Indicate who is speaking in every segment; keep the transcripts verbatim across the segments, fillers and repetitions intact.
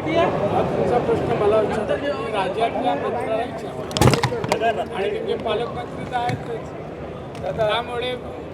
Speaker 1: हा तुमचा प्रश्न मला विचारता तुम्ही राज्यातल्या मंत्र्याला विचारा आणि तिथे पालकमंत्री तर आहेतच. त्यामुळे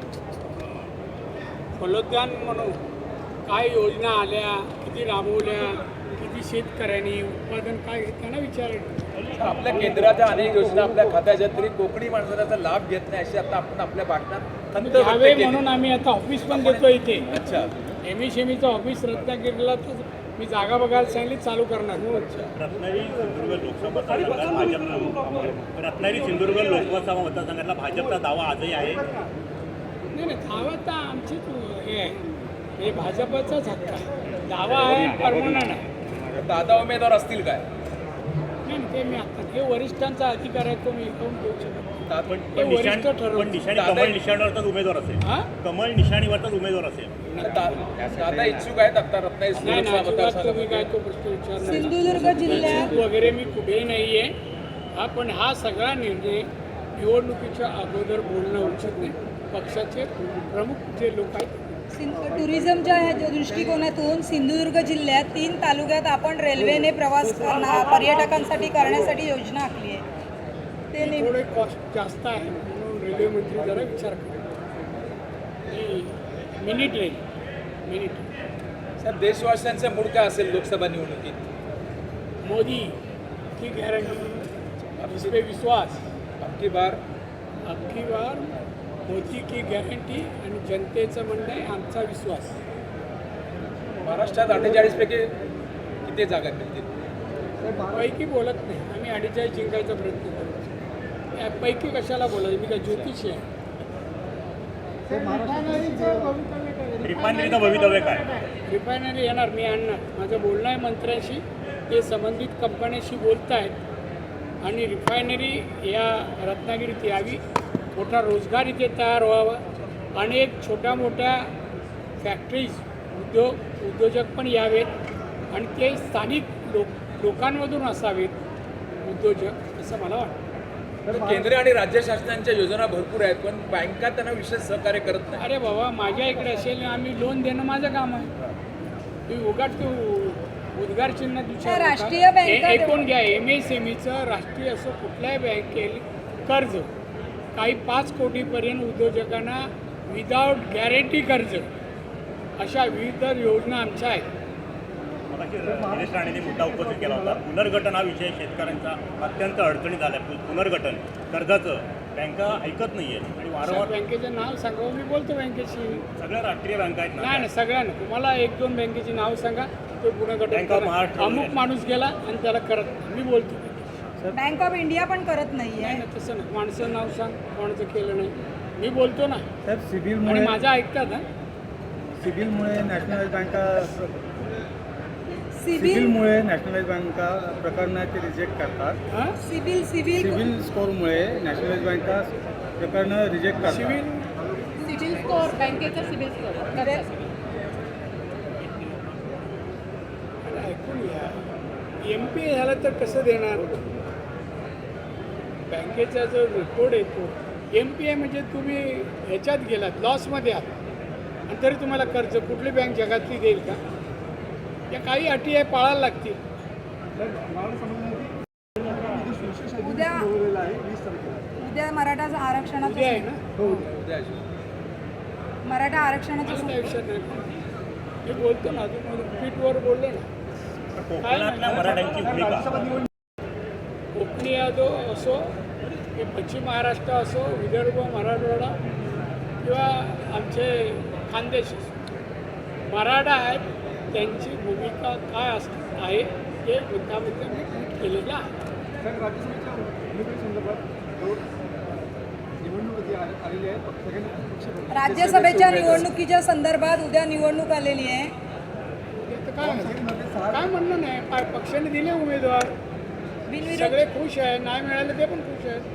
Speaker 1: फलोद्यान म्हणून काय योजना आल्या, किती राबवल्या, किती शेतकऱ्यांनी उत्पादन काय त्यांना विचारेल.
Speaker 2: आपल्या केंद्राच्या अनेक योजना आपल्या खात्याच्या तरी कोकणी माणसाला त्याचा लाभ घेत नाही अशी आता आपण आपल्या भाषणात खंत व्यक्त
Speaker 1: यावे
Speaker 2: केली.
Speaker 1: म्हणून आम्ही आता ऑफिस पण देतो इथे.
Speaker 2: अच्छा,
Speaker 1: एम एस एम ईचं ऑफिस रत्नागिरीला तर मी जागा बघायला सांगितली चालू करणार.
Speaker 3: रत्नागिरी सिंधुदुर्ग लोकसभा मतदारसंघात भाजप रत्नागिरी सिंधुदुर्ग लोकसभा मतदारसंघातला भाजपचा दावा आजही आहे.
Speaker 1: नाही नाही, दावा तर आमचीच हे आहे, हे भाजपचाच हक्क आहे. दावा आहे परमनंट आहे.
Speaker 2: दादा उमेदवार असतील काय?
Speaker 1: नाही नाही, ते मी आता हे वरिष्ठांचा अधिकार आहे, तो मी इथून देऊ शकत नाही.
Speaker 3: पण
Speaker 1: ते
Speaker 3: पण
Speaker 1: वरिष्ठ
Speaker 3: निशाण पण
Speaker 1: ठरवतील.
Speaker 3: निशाणी कमळ निशाणीवरचाच उमेदवार असेल.
Speaker 1: हा?
Speaker 3: कमळ निशाणीवरचाच उमेदवार असेल.
Speaker 2: दा- दादा इच्छुक आहेत आता रत्नागिरी
Speaker 1: नाही
Speaker 2: लोकसभा
Speaker 1: नाही, अजिबात तुम्ही काय
Speaker 2: मतदारसंघामध्ये.
Speaker 1: तो प्रश्न विचारला.
Speaker 4: सिंधुदुर्ग जिल्ह्यात
Speaker 1: इच्छुक वगैरे मी कुठेही नाही आहे. हा पण हा सगळा निर्णय निवडणुकीच्या अगोदर बोलणं उचित नाही. पक्षाचे प्रमुख जे लोक आहेत
Speaker 4: सिं- टुरिझमच्या ह्या दृष्टिकोनातून सिंधुदुर्ग जिल्ह्यात तीन तालुक्यात आपण रेल्वेने प्रवास करणार पर्यटकांसाठी करण्यासाठी योजना आखली आहे. ते नेम-
Speaker 1: थोडे कॉस्ट जास्त आहे म्हणून रेल्वे मंत्री जरा विचार करा. मिनी ट्रेन मिनी ट्रेन
Speaker 2: साहेब, देशवासियांचं मूड काय असेल लोकसभा निवडणुकीत?
Speaker 1: मोदी की गारंटी, इस पे विश्वास.
Speaker 2: अबकी बार
Speaker 1: अबकी बार मोदी की गॅरंटी आणि जनतेचं म्हणणं आहे आमचा विश्वास.
Speaker 2: महाराष्ट्रात अठ्ठेचाळीस पैकी किती जागा मिळतील?
Speaker 1: पैकी बोलत नाही आम्ही, अडीचाळीस जिंकायचा प्रयत्न करतो. या पैकी कशाला बोलायचं, मी काय ज्योतिषी आहे.
Speaker 3: रिफायनरीचं भवितव्य काय?
Speaker 1: रिफायनरी येणार, मी आणणार. माझं बोलणं आहे मंत्र्यांशी, ते संबंधित कंपन्यांशी बोलत आहेत आणि रिफायनरी या रत्नागिरीत यावी, मोठा रोजगार इथे तयार व्हावा, अनेक छोट्या मोठ्या फॅक्टरीज उद्योग उद्योजक पण यावेत आणि ते स्थानिक लोक लोकांमधून असावेत उद्योजक, असं मला वाटतं.
Speaker 2: तर केंद्र आणि राज्य शासनांच्या योजना भरपूर आहेत पण बँका त्यांना विशेष सहकार्य करत नाही.
Speaker 1: अरे बाबा, माझ्या इकडे असेल आम्ही लोन देणं माझं काम आहे. तुम्ही उगाच तू उद्गार चिन्ह
Speaker 4: त्या राष्ट्रीय बँका-
Speaker 1: ऐकून घ्या. एम एस एम ईचं राष्ट्रीय असो कुठल्याही बँकेला कर्ज काही पाच कोटीपर्यंत उद्योजकांना विदाऊट गॅरंटी कर्ज, अशा विविध योजना आमच्या आहेत.
Speaker 3: मगाशी निलेश राणेंनी मुद्दा उपस्थित केला होता. पुनर्गठन हा विषय शेतकऱ्यांचा अत्यंत अडचणीत आला आहे. पुनर्गठन कर्जाचं बँका ऐकत नाही आहे आणि वारंवार
Speaker 1: बँकेचं नाव सांगा, मी बोलतो बँकेशी.
Speaker 3: सगळ्या राष्ट्रीय बँका आहेत
Speaker 1: नाही
Speaker 3: ना.
Speaker 1: नाही, सगळ्यांना तुम्हाला एक दोन बँकेची नाव सांगा, ते पुनर्गठन
Speaker 3: बँक ऑफ
Speaker 1: करा.
Speaker 3: महाराष्ट्र
Speaker 1: अमुक माणूस गेला आणि त्याला करत नाही. मी बोलतो.
Speaker 4: बँक ऑफ इंडिया पण करत नाहीये.
Speaker 1: नाही ना, तसं नाही. माणसं नाव सांग, कोणाचं केलं नाही. मी बोलतो ना
Speaker 5: साहेब,
Speaker 1: आणि
Speaker 5: सिबिलमुळे
Speaker 1: माझं ऐकतात ना.
Speaker 5: सिबिलमुळे नॅशनलाइज बँका
Speaker 4: सिबिल
Speaker 5: सिबिलमुळे नॅशनलाइज बँका प्रकरणं ते रिजेक्ट करतात.
Speaker 1: हां,
Speaker 4: सिबिल सिबिल
Speaker 5: सिबिल स्कोरमुळे नॅशनलाइज बँका प्रकरणं रिजेक्ट करतात.
Speaker 1: सिव्हिल
Speaker 6: सिबिल स्कोअर बँकेचा सिबिल स्कोअर
Speaker 1: ऐकून घ्या. एम पी ए झालं तर कसं देणार? बँकेचा जो रिपोर्ट येतो, एम पी ए म्हणजे तुम्ही ह्याच्यात गेलात, लॉसमध्ये आहात आणि तरी तुम्हाला कर्ज कुठली बँक जगातली देईल का? या काही अटी आहे, पाळायला लागतील.
Speaker 4: उद्या उद्या मराठा
Speaker 1: उद्या
Speaker 4: आरक्षणाचं
Speaker 1: आहे ना,
Speaker 2: उद्या
Speaker 4: मराठा आरक्षणाचं
Speaker 1: मला त्या विषयात नाही. मी बोलतो ना, अजून ट्विटवर बोललो ना.
Speaker 3: कोकणातल्या मराठ्यांची भूमिका
Speaker 1: कोकणी यादव असो की पश्चिम महाराष्ट्र असो, विदर्भ, मराठवाडा किंवा आमचे खानदेश असो, मराठा आहेत, त्यांची भूमिका काय अस आहे हे मुद्दामुद्दा मी ट्विट केलेलं आहे.
Speaker 4: राज्यसभेच्या निवडणुकीच्या संदर्भात उद्या निवडणूक आलेली आहे.
Speaker 1: ते तर काय काय म्हणणं नाही. पा- पक्षाने दिले उमेदवार,
Speaker 4: बिनविरोध
Speaker 1: सगळे खुश आहे. नाही मिळाले ते पण खुश आहेत.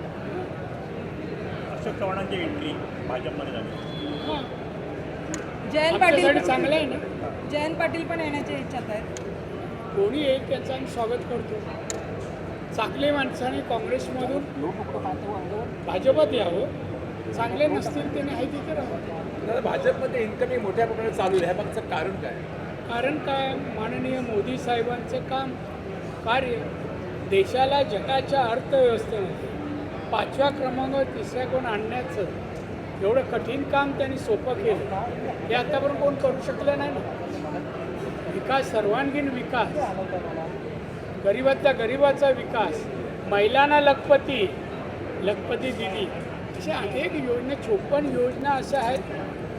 Speaker 3: अशोक चव्हाणांची एंट्री भाजपमध्ये झाली.
Speaker 1: हां,
Speaker 4: जयंत
Speaker 1: आमच्यासाठी
Speaker 4: पाटील
Speaker 1: चांगलं आहे ना.
Speaker 4: जयंत पाटील पण येण्याच्या इच्छात आहेत.
Speaker 1: कोणी येईल त्याचं आम्ही स्वागत करतो. चांगले माणसाने काँग्रेसमधून भाजपात यावं, चांगले नसतील त्याने आहे तिथे राहावं.
Speaker 2: दादा, भाजपमध्ये इन्कमिंग मोठ्या प्रमाणात चालू आहे, ह्या मागचं कारण काय?
Speaker 1: कारण काय, माननीय मोदी साहेबांचं काम कार्य देशाला जगाच्या अर्थव्यवस्थेमध्ये पाचव्या क्रमांकावर तिसऱ्या कोण आणण्याचं एवढं कठीण काम त्यांनी सोपं केलं, हे आतापर्यंत कोण करू शकलं नाही ना. विकास, सर्वांगीण विकास, गरीबातल्या गरीबाचा विकास, महिलांना लखपती लखपती दिली, अशा अनेक योजना, चोपन्न योजना अशा आहेत.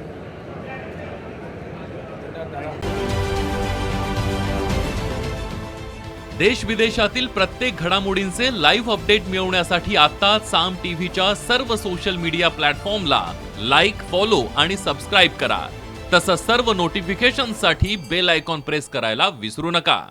Speaker 7: देश विदेशातील प्रत्येक घडामोडींचे लाईव्ह अपडेट मिळवण्यासाठी आता साम टीव्हीच्या सर्व सोशल मीडिया प्लॅटफॉर्मला लाईक, फॉलो आणि सबस्क्राईब करा. तसंच सर्व नोटिफिकेशनसाठी बेल आयकॉन प्रेस करायला विसरू नका.